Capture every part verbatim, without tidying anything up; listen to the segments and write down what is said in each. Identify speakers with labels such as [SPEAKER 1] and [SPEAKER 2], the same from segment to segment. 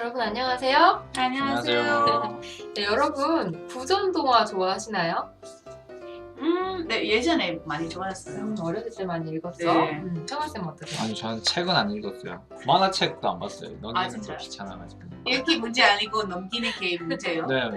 [SPEAKER 1] 여러분 안녕하세요.
[SPEAKER 2] 안녕하세요.
[SPEAKER 1] 네, 여러분 구전 동화 좋아하시나요?
[SPEAKER 2] 음, 네 예전에 많이 좋아했어요.
[SPEAKER 1] 음, 어렸을 때 많이 읽었죠?
[SPEAKER 2] 네.
[SPEAKER 1] 음, 청아쌤 어떠세요?
[SPEAKER 3] 아니 저는 책은 안 읽었어요. 만화책도 안 봤어요.
[SPEAKER 2] 아,
[SPEAKER 3] 넘기는 거
[SPEAKER 2] 진짜요?
[SPEAKER 3] 귀찮아가지고.
[SPEAKER 2] 읽기 문제 아니고 넘기는 게 문제예요.
[SPEAKER 3] 네.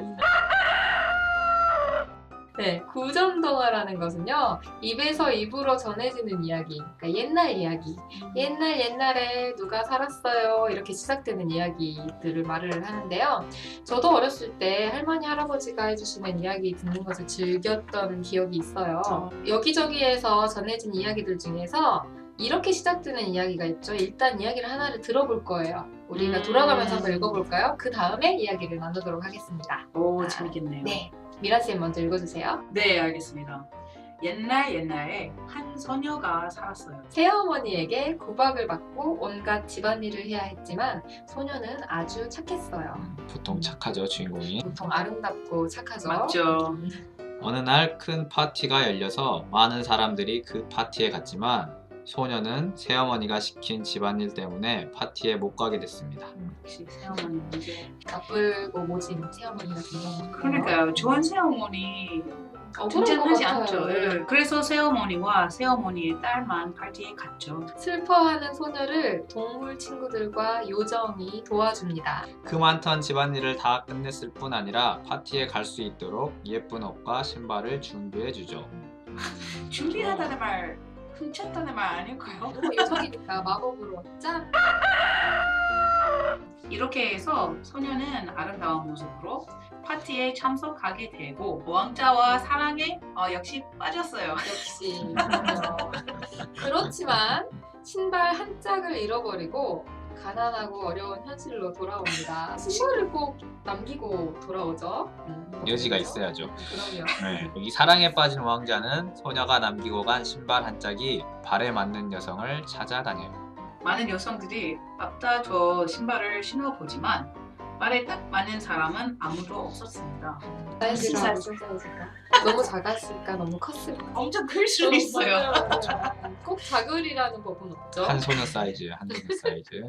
[SPEAKER 1] 네, 구전 동화라는 것은요 입에서 입으로 전해지는 이야기, 그러니까 옛날 이야기, 옛날 옛날에 누가 살았어요 이렇게 시작되는 이야기들을 말을 하는데요. 저도 어렸을 때 할머니 할아버지가 해주시는 이야기 듣는 것을 즐겼던 기억이 있어요.
[SPEAKER 2] 어.
[SPEAKER 1] 여기저기에서 전해진 이야기들 중에서 이렇게 시작되는 이야기가 있죠. 일단 이야기를 하나를 들어볼 거예요. 우리가
[SPEAKER 2] 음.
[SPEAKER 1] 돌아가면서 한번 읽어볼까요? 그 다음에 이야기를 나누도록 하겠습니다.
[SPEAKER 2] 오, 재밌겠네요.
[SPEAKER 1] 네, 미라쌤 먼저 읽어주세요.
[SPEAKER 2] 네, 알겠습니다. 옛날 옛날에 한 소녀가 살았어요.
[SPEAKER 1] 새어머니에게 구박을 받고 온갖 집안일을 해야 했지만 소녀는 아주 착했어요.
[SPEAKER 3] 보통 착하죠 주인공이.
[SPEAKER 1] 보통 아름답고 착하죠.
[SPEAKER 2] 맞죠.
[SPEAKER 3] 어느 날 큰 파티가 열려서 많은 사람들이 그 파티에 갔지만 소녀는 새어머니가 시킨 집안일 때문에 파티에 못 가게 됐습니다.
[SPEAKER 2] 역시 새어머니 문제.
[SPEAKER 1] 나쁘고 모진 새어머니 같은 경우.
[SPEAKER 2] 그러니까요. 좋은 새어머니
[SPEAKER 1] 억울할 것
[SPEAKER 2] 존재하지
[SPEAKER 1] 같아요.
[SPEAKER 2] 않죠. 예. 그래서 새어머니와 새어머니의 딸만 파티에 갔죠.
[SPEAKER 1] 슬퍼하는 소녀를 동물 친구들과 요정이 도와줍니다.
[SPEAKER 3] 그 많던 집안일을 다 끝냈을 뿐 아니라 파티에 갈 수 있도록 예쁜 옷과 신발을 준비해 주죠.
[SPEAKER 2] 준비하다는 말, 훔쳤다는 말 아닐까요?
[SPEAKER 1] 너무 요정이니까 마법으로 짠!
[SPEAKER 2] 이렇게 해서 소녀는 아름다운 모습으로 파티에 참석하게 되고 왕자와 사랑에 어, 역시 빠졌어요.
[SPEAKER 1] 역시 그럼요. 그렇지만 신발 한 짝을 잃어버리고 가난하고 어려운 현실로 돌아옵니다. 신발을 꼭 남기고 돌아오죠. 음,
[SPEAKER 3] 여지가
[SPEAKER 1] 그렇죠?
[SPEAKER 3] 있어야죠.
[SPEAKER 1] 그럼요.
[SPEAKER 3] 네. 이 사랑에 빠진 왕자는 소녀가 남기고 간 신발 한 짝이 발에 맞는 여성을 찾아다녀요.
[SPEAKER 2] 많은 여성들이 맞다 저 신발을 신어보지만 발에 딱 맞는 사람은 아무도 없었습니다.
[SPEAKER 1] 사이즈가 무슨 사이즈일까? 너무 작았을까? 너무 컸을까?
[SPEAKER 2] 엄청 클 수도 있어요.
[SPEAKER 1] 맞아요. 꼭 작으리라는 법은 없죠.
[SPEAKER 3] 한 소녀 사이즈예요. 한 소녀 사이즈.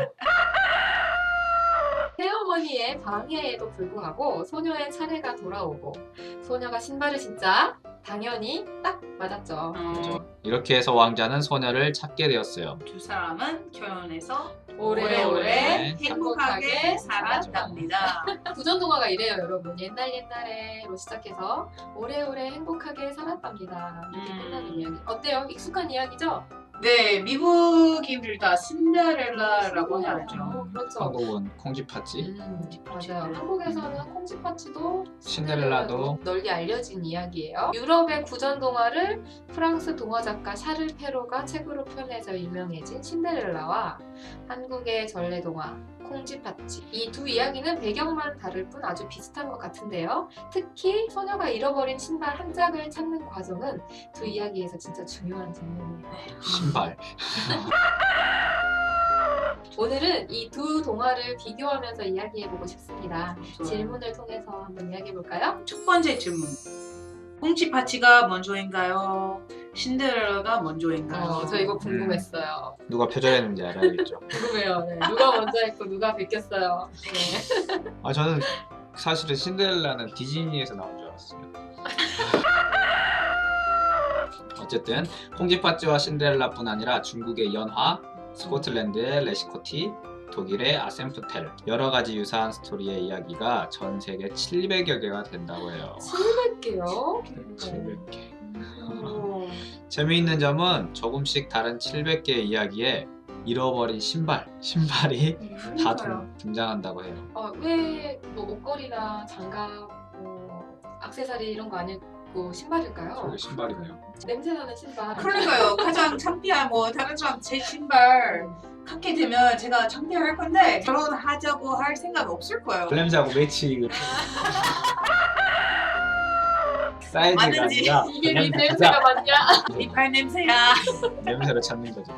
[SPEAKER 1] 새어머니의 방해에도 불구하고 소녀의 차례가 돌아오고 소녀가 신발을 신자 당연히 딱 맞았죠.
[SPEAKER 2] 어,
[SPEAKER 3] 이렇게 해서 왕자는 소녀를 찾게 되었어요.
[SPEAKER 2] 두 사람은 결혼해서
[SPEAKER 1] 오래오래
[SPEAKER 2] 오래오래
[SPEAKER 1] 행복하게
[SPEAKER 2] 행복하게 살았답니다.
[SPEAKER 1] 구전 동화가 이래요, 여러분. 옛날 옛날에로 시작해서 오래오래 행복하게 살았답니다. 이렇게
[SPEAKER 2] 음.
[SPEAKER 1] 끝나는 이야기. 어때요? 익숙한 이야기죠?
[SPEAKER 2] 네, 미국인들 다 신데렐라라고 하죠.
[SPEAKER 1] 어, 그렇죠.
[SPEAKER 3] 한국은 콩쥐팥쥐.
[SPEAKER 1] 음, 맞아요. 한국에서는 콩쥐팥쥐도
[SPEAKER 3] 신데렐라도
[SPEAKER 1] 널리 알려진 이야기예요. 유럽의 구전 동화를 프랑스 동화 작가 샤를 페로가 책으로 표현해서 유명해진 신데렐라와 한국의 전래 동화 콩쥐팥쥐, 이 두 이야기는 배경만 다를 뿐 아주 비슷한 것 같은데요. 특히 소녀가 잃어버린 신발 한 짝을 찾는 과정은 두 이야기에서 진짜 중요한 장면이에요.
[SPEAKER 3] 신발.
[SPEAKER 1] 오늘은 이 두 동화를 비교하면서 이야기해보고 싶습니다.
[SPEAKER 2] 좋아요.
[SPEAKER 1] 질문을 통해서 한번 이야기해볼까요?
[SPEAKER 2] 첫 번째 질문. 꽁치파치가 먼저인가요? 신데렐라가 먼저인가요?
[SPEAKER 1] 어, 저 이거 궁금했어요.
[SPEAKER 3] 누가 표절했는지 알아야겠죠.
[SPEAKER 1] 궁금해요. 네. 누가 먼저 했고 누가 베꼈어요. 네.
[SPEAKER 3] 아 저는 사실은 신데렐라는 디즈니에서 나온 줄 알았어요. 어쨌든 콩쥐팥쥐와 신데렐라뿐 아니라 중국의 연화, 스코틀랜드의 레시코티, 독일의 아센프텔, 여러 가지 유사한 스토리의 이야기가 전 세계 칠백여 개가 된다고 해요.
[SPEAKER 1] 칠백 개요?
[SPEAKER 3] 칠백 개.
[SPEAKER 1] 오.
[SPEAKER 3] 재미있는 점은 조금씩 다른 칠백 개의 이야기에 잃어버린 신발, 신발이 다
[SPEAKER 1] 그러니까요.
[SPEAKER 3] 등- 등장한다고 해요.
[SPEAKER 1] 어, 왜뭐 목걸이나 장갑, 뭐 액세서리 이런 거 안 입고 신발일까요?
[SPEAKER 3] 저게 신발이네요.
[SPEAKER 1] 냄새나는 신발.
[SPEAKER 2] 그러니까요. 가장 창피하고 다른 사람 제 신발 갖게 되면 제가 창피할 건데 결혼하자고 할 생각 없을 거예요.
[SPEAKER 3] 냄새하고 매치 사이즈가
[SPEAKER 2] 맞는지.
[SPEAKER 3] 아니라
[SPEAKER 1] 이게
[SPEAKER 3] 그냥
[SPEAKER 1] 네 냄새가 맞냐?
[SPEAKER 2] 이발 냄새야.
[SPEAKER 3] 냄새를 찾는 거죠.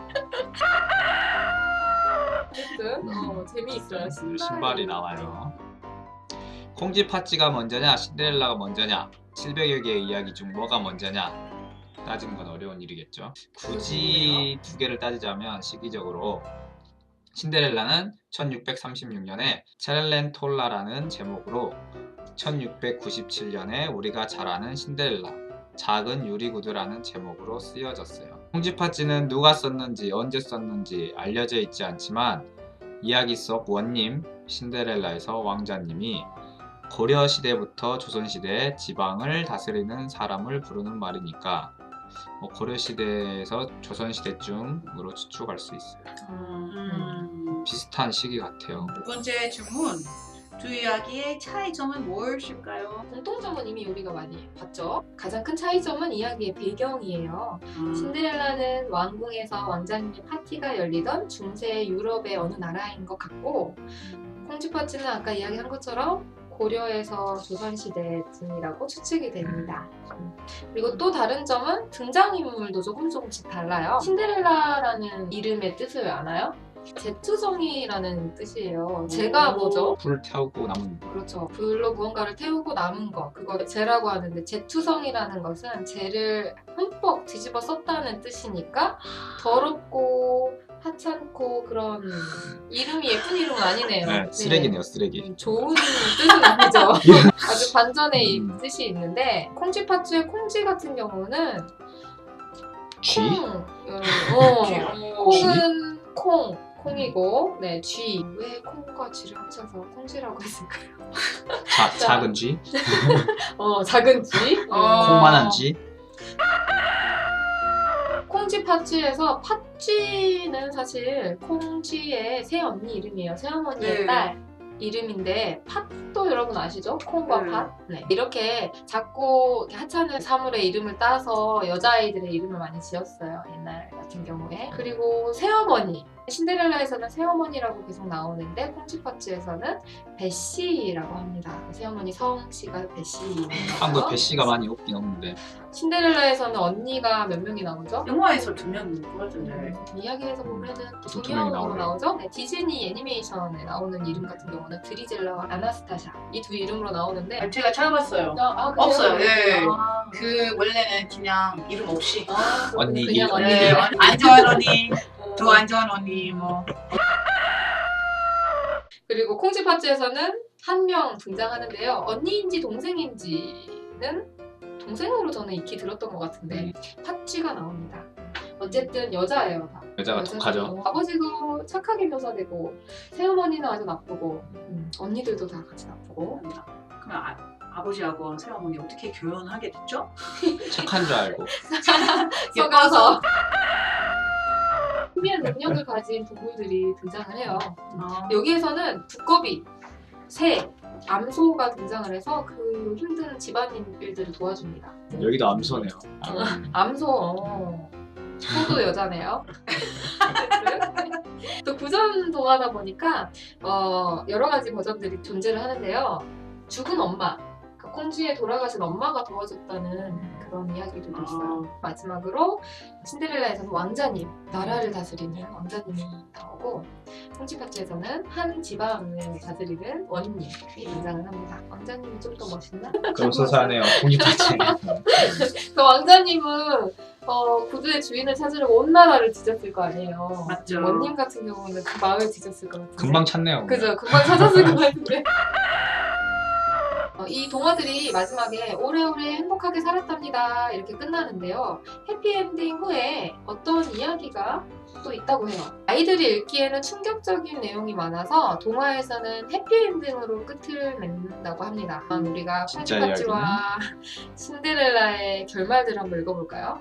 [SPEAKER 1] 어쨌든 어, 재미있어요. 신발.
[SPEAKER 3] 신발이 나와요. 콩쥐팥쥐가 먼저냐 신데렐라가 먼저냐 칠백여 개의 이야기 중 뭐가 먼저냐 따지는 건 어려운 일이겠죠. 굳이 두 개를 따지자면 시기적으로 신데렐라는 천육백삼십육 년에 체렐렌톨라라는 제목으로 천육백구십칠 년에 우리가 잘 아는 신데렐라 작은 유리구두라는 제목으로 쓰여졌어요. 콩쥐팥쥐는 누가 썼는지 언제 썼는지 알려져 있지 않지만 이야기 속 원님 신데렐라에서 왕자님이 고려시대부터 조선시대에 지방을 다스리는 사람을 부르는 말이니까 뭐 고려시대에서 조선시대쯤으로 추측할 수 있어요.
[SPEAKER 2] 음.
[SPEAKER 3] 비슷한 시기 같아요.
[SPEAKER 2] 두 번째 질문. 두 이야기의 차이점은 무엇일까요?
[SPEAKER 1] 공통점은 이미 우리가 많이 봤죠. 가장 큰 차이점은 이야기의 배경이에요.
[SPEAKER 2] 음.
[SPEAKER 1] 신데렐라는 왕궁에서 왕자님의 파티가 열리던 중세 유럽의 어느 나라인 것 같고, 콩쥐팥쥐는 아까 이야기한 것처럼 고려에서 조선시대쯤이라고 추측이 됩니다. 그리고 또 다른 점은 등장인물도 조금 조금씩 달라요. 신데렐라라는 이름의 뜻을 아나요? 제투성이라는 뜻이에요. 제가 뭐죠?
[SPEAKER 3] 불 태우고 남은
[SPEAKER 1] 그렇죠. 불로 무언가를 태우고 남은 거, 그거 재라고 하는데, 제투성이라는 것은 재를 흠뻑 뒤집어 썼다는 뜻이니까 더럽고 하찮고 그런 이름이 예쁜 이름은 아니네요.
[SPEAKER 3] 네, 쓰레기네요, 쓰레기.
[SPEAKER 1] 음, 좋은 뜻은 아니죠. 아주 반전의
[SPEAKER 3] 음.
[SPEAKER 1] 뜻이 있는데, 콩쥐팥쥐의 콩쥐 같은 경우는
[SPEAKER 3] 쥐?
[SPEAKER 1] 콩, 어,
[SPEAKER 2] 쥐?
[SPEAKER 1] 콩은 콩, 콩이고, 네, 쥐. 왜 콩과 쥐를 합쳐서 콩쥐라고 했을까요?
[SPEAKER 3] 자, 작은 쥐?
[SPEAKER 1] 어, 작은 쥐.
[SPEAKER 2] 어.
[SPEAKER 3] 콩만한 쥐?
[SPEAKER 1] 콩쥐팥쥐에서 팥쥐는 사실 콩쥐의 새언니 이름이에요. 새어머니의
[SPEAKER 2] 네.
[SPEAKER 1] 딸 이름인데, 팥도 여러분 아시죠? 콩과
[SPEAKER 2] 네.
[SPEAKER 1] 팥. 네. 이렇게 작고 하찮은 사물의 이름을 따서 여자아이들의 이름을 많이 지었어요. 옛날 같은 경우에. 그리고 새어머니. 신데렐라에서는 새어머니라고 계속 나오는데, 콩쥐팥쥐에서는 베시라고 합니다. 새어머니 성씨가 베시.
[SPEAKER 3] 한국 배씨가 많이 없긴 없는데
[SPEAKER 1] 신데렐라에서는 언니가 몇 명이 나오죠?
[SPEAKER 2] 영화에서 두 명인 것 같은데.
[SPEAKER 1] 이야기에서 보면은
[SPEAKER 3] 두
[SPEAKER 1] 두
[SPEAKER 3] 명이
[SPEAKER 1] 명으로
[SPEAKER 3] 나오네요.
[SPEAKER 1] 나오죠? 네, 디즈니 애니메이션에 나오는 이름 같은 경우는 드리젤라와 아나스타샤 이 두 이름으로 나오는데,
[SPEAKER 2] 아, 제가 찾아봤어요.
[SPEAKER 1] 아, 아, 그래요?
[SPEAKER 2] 없어요. 예.
[SPEAKER 1] 아,
[SPEAKER 2] 그 원래는 그냥 이름 없이.
[SPEAKER 1] 아, 그렇군요.
[SPEAKER 3] 언니,
[SPEAKER 1] 그냥
[SPEAKER 3] 이-
[SPEAKER 1] 언니.
[SPEAKER 2] 네, 안전 언니, 더 안전 언니 뭐.
[SPEAKER 1] 그리고 콩쥐팥쥐에서는 한 명 등장하는데요. 언니인지 동생인지는 동생으로 저는 익히 들었던 것 같은데, 팥쥐가 나옵니다. 어쨌든 여자예요. 다.
[SPEAKER 3] 여자가
[SPEAKER 1] 여자죠.
[SPEAKER 3] 독하죠.
[SPEAKER 1] 아버지도 착하게 묘사되고, 새어머니는 아주 나쁘고, 음, 언니들도 다 같이 나쁘고.
[SPEAKER 2] 그럼 아, 아버지하고 새어머니 어떻게 결혼하게 됐죠?
[SPEAKER 3] 착한 줄 알고
[SPEAKER 1] 속아서 신비한 능력을 가진 동물들이 등장을 해요.
[SPEAKER 2] 아,
[SPEAKER 1] 여기에서는 두꺼비, 새, 암소가 등장을 해서 그 힘든 집안일 일들을 도와줍니다.
[SPEAKER 3] 여기도 암소네요.
[SPEAKER 1] 암소, 어. 소도 여자네요. 또 구전 동화다 보니까 어, 여러 가지 버전들이 존재를 하는데요. 죽은 엄마, 그 콩쥐의 돌아가신 엄마가 도와줬다는 그런 이야기들도 있어요.
[SPEAKER 2] 아.
[SPEAKER 1] 마지막으로 신데렐라에서는 왕자님, 나라를 다스리는 왕자님이 나오고, 콩쥐팥쥐에서는 한 지방을 다스리는 원님이 등장을 합니다. 왕자님이 좀 더 멋있나?
[SPEAKER 3] 그럼 소소하네요. 콩쥐팥쥐.
[SPEAKER 1] 그 왕자님은 어, 구두의 주인을 찾으려고 온 나라를 뒤졌을 거 아니에요.
[SPEAKER 2] 맞죠.
[SPEAKER 1] 원님 같은 경우는 그 마을 뒤졌을 것 같은데.
[SPEAKER 3] 금방 찾네요.
[SPEAKER 1] 그죠, 금방 찾았을 것 같은데. 어, 이 동화들이 마지막에 오래오래 행복하게 살았답니다 이렇게 끝나는데요. 해피엔딩 후에 어떤 이야기가 또 있다고 해요. 아이들이 읽기에는 충격적인 내용이 많아서 동화에서는 해피엔딩으로 끝을 맺는다고 합니다. 그럼 우리가
[SPEAKER 3] 진짜
[SPEAKER 1] 콩쥐팥쥐와 신데렐라의 결말들을 한번 읽어볼까요?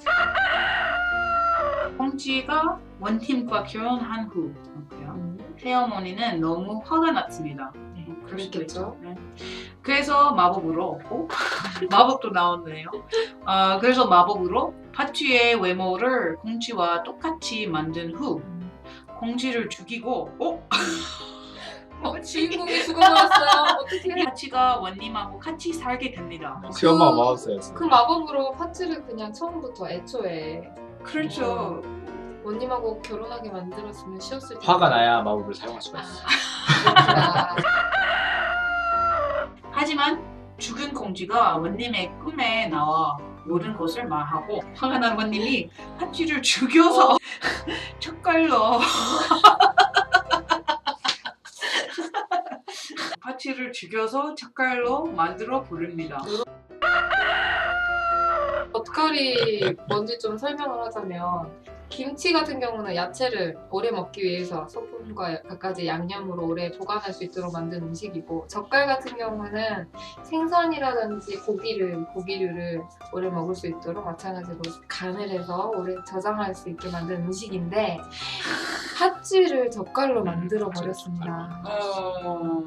[SPEAKER 2] 콩쥐가 원팀과 결혼한 후
[SPEAKER 1] 음,
[SPEAKER 2] 새어머니는 너무 화가 났습니다.
[SPEAKER 1] 네,
[SPEAKER 2] 그럴 수도
[SPEAKER 1] 그랬겠죠.
[SPEAKER 2] 있죠. 네. 그래서 마법으로 어? 마법도 나오네요. 어, 그래서 마법으로 팥쥐의 외모를 콩쥐와 똑같이 만든 후 콩쥐를 죽이고 어?
[SPEAKER 1] 어, 주인공이 죽어버렸어요. 어떻게?
[SPEAKER 2] 팥쥐가 원님하고 같이 살게 됩니다.
[SPEAKER 3] 그 엄마 마법사였어.
[SPEAKER 1] 그 마법으로 팥쥐를 그냥 처음부터 애초에
[SPEAKER 2] 그렇죠.
[SPEAKER 1] 원님하고 결혼하게 만들었으면 쉬웠을 텐데.
[SPEAKER 3] 화가 나야 마법을 사용할 수가 있어.
[SPEAKER 1] 아,
[SPEAKER 2] 하지만 죽은 콩쥐가 원님의 꿈에 나와 모든 것을 말하고 화가 난 원님이 팥쥐를 죽여서 젓갈로 콩쥐를 죽여서 젓갈로 만들어 부릅니다.
[SPEAKER 1] 젓갈이 뭔지 좀 설명을 하자면 김치 같은 경우는 야채를 오래 먹기 위해서 소금과 갖가지 양념으로 오래 보관할 수 있도록 만든 음식이고 젓갈 같은 경우는 생선이라든지 고기를, 고기류를 오래 먹을 수 있도록 마찬가지로 간을 해서 오래 저장할 수 있게 만든 음식인데 팥쥐를 젓갈로 만들어 버렸습니다.
[SPEAKER 2] 어...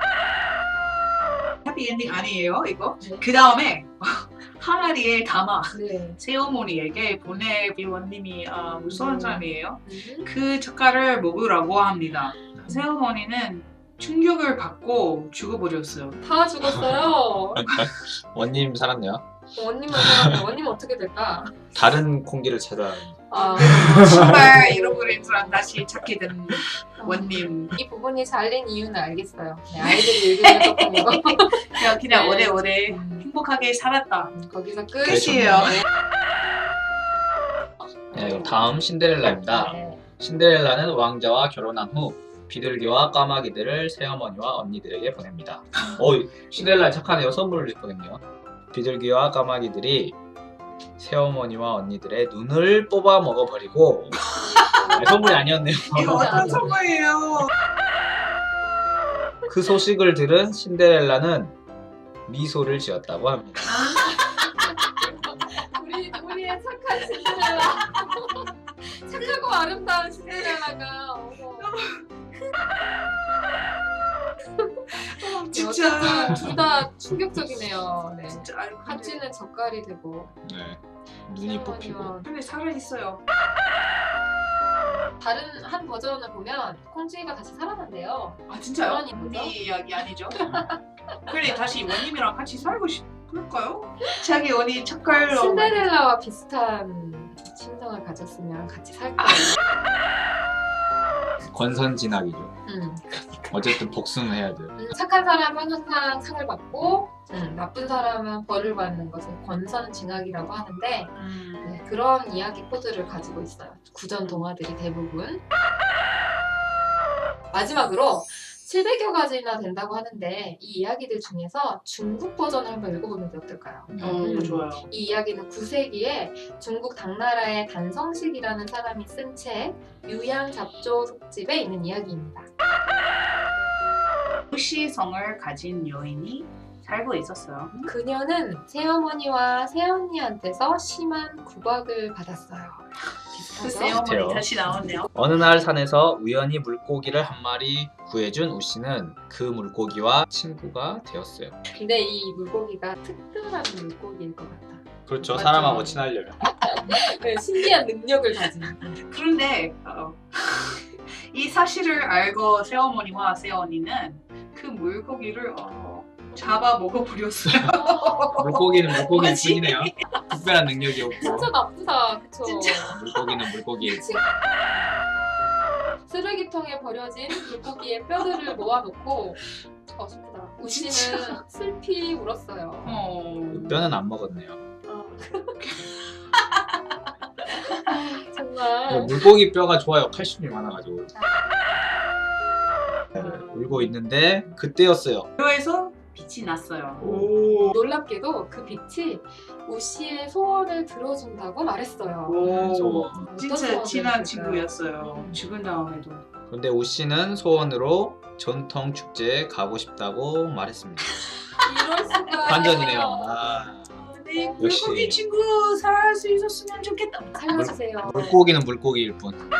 [SPEAKER 2] 해피엔딩 아니에요 이거?
[SPEAKER 1] 네.
[SPEAKER 2] 그 다음에 항아리에 담아
[SPEAKER 1] 네.
[SPEAKER 2] 새어머니에게 보내 원님이 아, 무서운
[SPEAKER 1] 음.
[SPEAKER 2] 사람이에요.
[SPEAKER 1] 음.
[SPEAKER 2] 그 젓갈을 먹으라고 합니다. 새어머니는 충격을 받고 죽어버렸어요.
[SPEAKER 1] 다 죽었어요.
[SPEAKER 3] 원님 살았네요.
[SPEAKER 1] 원님은 살았네. 원님은 어떻게 될까?
[SPEAKER 3] 다른 콩기를 찾아.
[SPEAKER 1] 아,
[SPEAKER 2] 신발 잃어버린 사람 다시 찾게 된 원님.
[SPEAKER 1] 이 부분이 잘린 이유는 알겠어요. 네, 아이들이 읽으면 조금 이거
[SPEAKER 2] 그냥 그냥
[SPEAKER 1] 네.
[SPEAKER 2] 오래오래
[SPEAKER 1] 음,
[SPEAKER 2] 행복하게 살았다.
[SPEAKER 1] 거기서 끝.
[SPEAKER 2] 끝이에요.
[SPEAKER 3] 네, 그럼 다음 신데렐라입니다.
[SPEAKER 1] 네.
[SPEAKER 3] 신데렐라는 왕자와 결혼한 후 비둘기와 까마귀들을 새어머니와 언니들에게 보냅니다. 어, 신데렐라 착하네요. 선물을 보냈네요. 비둘기와 까마귀들이 새어머니와 언니들의 눈을 뽑아 먹어버리고 아니, 선물이 아니었네요.
[SPEAKER 2] 이거 어떤 선물이에요?
[SPEAKER 3] 그 소식을 들은 신데렐라는 미소를 지었다고 합니다.
[SPEAKER 1] 우리 우리의 착한 신데렐라. 착하고 아름다운 신데렐라가 어머.
[SPEAKER 2] 진짜.
[SPEAKER 1] 둘 다 충격적이네요. 네.
[SPEAKER 2] 진짜 아유, 근데,
[SPEAKER 1] 팥쥐는 젓갈이 되고
[SPEAKER 3] 네, 눈이 뽑히고.
[SPEAKER 2] 근데 살아있어요.
[SPEAKER 1] 다른 한 버전을 보면 콩쥐가 다시 살아난대요.
[SPEAKER 2] 아 진짜요?
[SPEAKER 1] 그러니 뭐죠?
[SPEAKER 2] 언니 이야기 아니죠? 그래 다시 원님이랑 같이 살고 싶을까요? 자기 언니 젓갈로
[SPEAKER 1] 신데렐라와 비슷한 심성을 가졌으면 같이 살 거예요.
[SPEAKER 3] 권선진학이죠.
[SPEAKER 1] 음.
[SPEAKER 3] 어쨌든 복수는 해야 돼요.
[SPEAKER 1] 음, 착한 사람은 항상 상을 받고 음, 나쁜 사람은 벌을 받는 것을 권선징악이라고 하는데
[SPEAKER 2] 음.
[SPEAKER 1] 네, 그런 이야기 코드를 가지고 있어요. 구전 동화들이 대부분. 마지막으로 칠백여 가지나 된다고 하는데 이 이야기들 중에서 중국 버전을 한번 읽어보는 게 어떨까요?
[SPEAKER 2] 어
[SPEAKER 1] 음.
[SPEAKER 2] 좋아요.
[SPEAKER 1] 이 이야기는 구 세기에 중국 당나라의 단성식이라는 사람이 쓴 책 유양잡조 속집에 있는 이야기입니다.
[SPEAKER 2] 도시성을 가진 여인이 살고 있었어요.
[SPEAKER 1] 그녀는 새어머니와 새언니한테서 심한 구박을 받았어요.
[SPEAKER 2] 그
[SPEAKER 1] 비슷하죠?
[SPEAKER 2] 새어머니
[SPEAKER 3] 비슷해요.
[SPEAKER 2] 다시 나왔네요.
[SPEAKER 3] 어느 날 산에서 우연히 물고기를 한 마리 구해준 우씨는 그 물고기와 친구가 되었어요.
[SPEAKER 1] 근데 이 물고기가 특별한 물고기일 것 같아.
[SPEAKER 3] 그렇죠.
[SPEAKER 2] 맞죠.
[SPEAKER 3] 사람하고 친하려면.
[SPEAKER 1] 네, 신기한 능력을 가진.
[SPEAKER 2] 그런데 어, 이 사실을 알고 새어머니와 새언니는 그 물고기를 어, 잡아 먹어버렸어요.
[SPEAKER 3] 물고기는 물고기일
[SPEAKER 2] 뭐지?
[SPEAKER 3] 뿐이네요. 특별한 능력이 없고.
[SPEAKER 1] 진짜 나쁘다, 그쵸?
[SPEAKER 2] 진짜.
[SPEAKER 3] 물고기는 물고기일 뿐.
[SPEAKER 1] 쓰레기통에 버려진 물고기의 뼈들을 모아놓고 어 슬프다. 우씨는 슬피 울었어요.
[SPEAKER 2] 어...
[SPEAKER 3] 뼈는 안 먹었네요.
[SPEAKER 1] 어.
[SPEAKER 3] 뭐
[SPEAKER 1] 정말
[SPEAKER 3] 물고기 뼈가 좋아요. 칼슘이 많아가지고. 네,
[SPEAKER 1] 음.
[SPEAKER 3] 울고 있는데 그때였어요.
[SPEAKER 2] 뼈에서 빛이 났어요.
[SPEAKER 3] 오.
[SPEAKER 1] 놀랍게도 그 빛이 우씨의 소원을 들어준다고 말했어요.
[SPEAKER 2] 오,
[SPEAKER 1] 어떤
[SPEAKER 2] 진짜
[SPEAKER 1] 소원을
[SPEAKER 2] 친한
[SPEAKER 1] 했을까요?
[SPEAKER 2] 친구였어요.
[SPEAKER 1] 음.
[SPEAKER 2] 죽은 다음에도.
[SPEAKER 3] 그런데 우씨는 소원으로 전통 축제에 가고 싶다고 말했습니다.
[SPEAKER 1] 이럴 수가.
[SPEAKER 3] 반전이네요. 아,
[SPEAKER 2] 네,
[SPEAKER 3] 역시.
[SPEAKER 2] 물고기 친구 살아날 수 있었으면 좋겠다.
[SPEAKER 1] 살려주세요.
[SPEAKER 3] 물고기는 물고기일 뿐.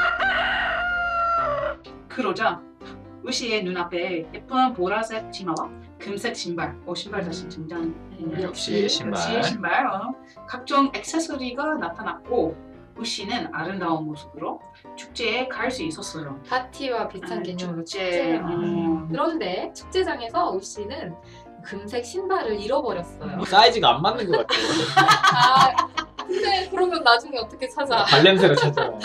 [SPEAKER 2] 그러자 우시의 눈앞에 예쁜 보라색 치마와 금색 신발, 어 신발 다시 등장.
[SPEAKER 1] 음,
[SPEAKER 3] 역시 신발.
[SPEAKER 2] 역시 신발. 어. 각종 액세서리가 나타났고 우시는 아름다운 모습으로 축제에 갈 수 있었어요.
[SPEAKER 1] 파티와 비슷한
[SPEAKER 2] 아,
[SPEAKER 1] 개념으로
[SPEAKER 2] 축제.
[SPEAKER 1] 축제.
[SPEAKER 2] 음.
[SPEAKER 1] 그런데 축제장에서 우씨는 금색 신발을 잃어버렸어요.
[SPEAKER 3] 사이즈가 안 맞는 것 같아요.
[SPEAKER 1] 아, 근데 그러면 나중에 어떻게 찾아?
[SPEAKER 3] 발냄새가 찾잖아요.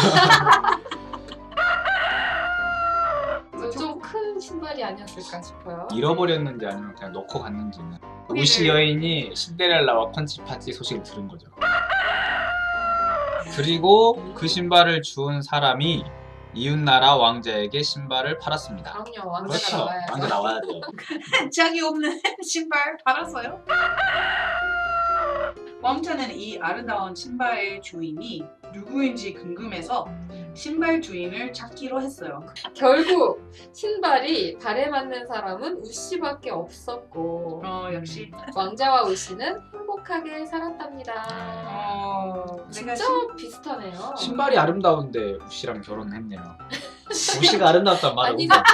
[SPEAKER 1] 좀 큰 신발이 아니었을까 싶어요.
[SPEAKER 3] 잃어버렸는지 아니면 그냥 넣고 갔는지는. 우시 여인이 신데렐라와 펀치파티 소식을 들은 거죠. 그리고 그 신발을 주운 사람이 이웃나라 왕자에게 신발을 팔았습니다.
[SPEAKER 1] 그럼요. 왕자가
[SPEAKER 3] 그렇죠.
[SPEAKER 1] 나와야죠.
[SPEAKER 3] 왕자 나와야 돼요.
[SPEAKER 2] 짝이 없는 신발 팔았어요? 왕자는 이 아름다운 신발의 주인이 누구인지 궁금해서 신발 주인을 찾기로 했어요.
[SPEAKER 1] 결국 신발이 발에 맞는 사람은 우씨밖에 없었고
[SPEAKER 2] 어 역시
[SPEAKER 1] 왕자와 우씨는 행복하게 살았답니다.
[SPEAKER 2] 어 내가
[SPEAKER 1] 진짜
[SPEAKER 2] 신-
[SPEAKER 1] 비슷하네요.
[SPEAKER 3] 신발이 아름다운데 우씨랑 결혼했네요. 우씨가 아름답단 말을
[SPEAKER 1] 아니,
[SPEAKER 3] 못해.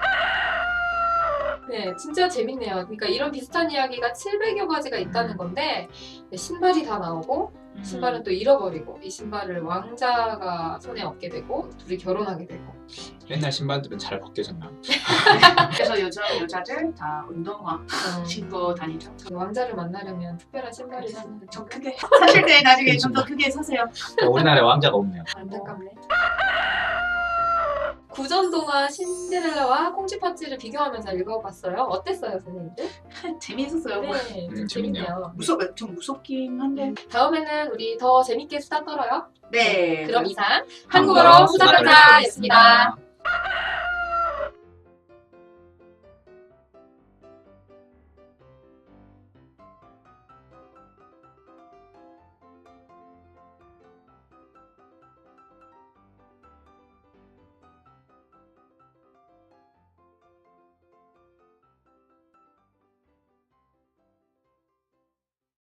[SPEAKER 1] 네, 진짜 재밌네요. 그러니까 이런 비슷한 이야기가 칠백여 가지가 있다는 건데 네, 신발이 다 나오고
[SPEAKER 2] 음.
[SPEAKER 1] 신발은 또 잃어버리고 이 신발을 왕자가 손에 얻게 되고 둘이 결혼하게 되고
[SPEAKER 3] 옛날 신발들은 잘 벗겨졌나?
[SPEAKER 2] 그래서 여자 여자들 다 운동화
[SPEAKER 1] 음,
[SPEAKER 2] 신고 다니죠.
[SPEAKER 1] 왕자를 만나려면 특별한 신발이 있는
[SPEAKER 2] 좀 크게 사실 때 나중에 좀 더 크게 사세요.
[SPEAKER 3] 우리나라에 왕자가 없네요.
[SPEAKER 1] 안타깝네. 구전동화 신데렐라와 콩쥐팥쥐를 비교하면서 읽어봤어요. 어땠어요, 선생님들?
[SPEAKER 2] 재미있었어요.
[SPEAKER 1] 네,
[SPEAKER 3] 음, 재밌네요.
[SPEAKER 2] 무섭 좀 무섭긴 한데.
[SPEAKER 1] 다음에는 우리 더 재밌게 수다 떨어요.
[SPEAKER 2] 네.
[SPEAKER 1] 그럼 이상
[SPEAKER 3] 한국어로
[SPEAKER 1] 한국어로 수다 떨자였습니다.
[SPEAKER 3] 수다 떨자.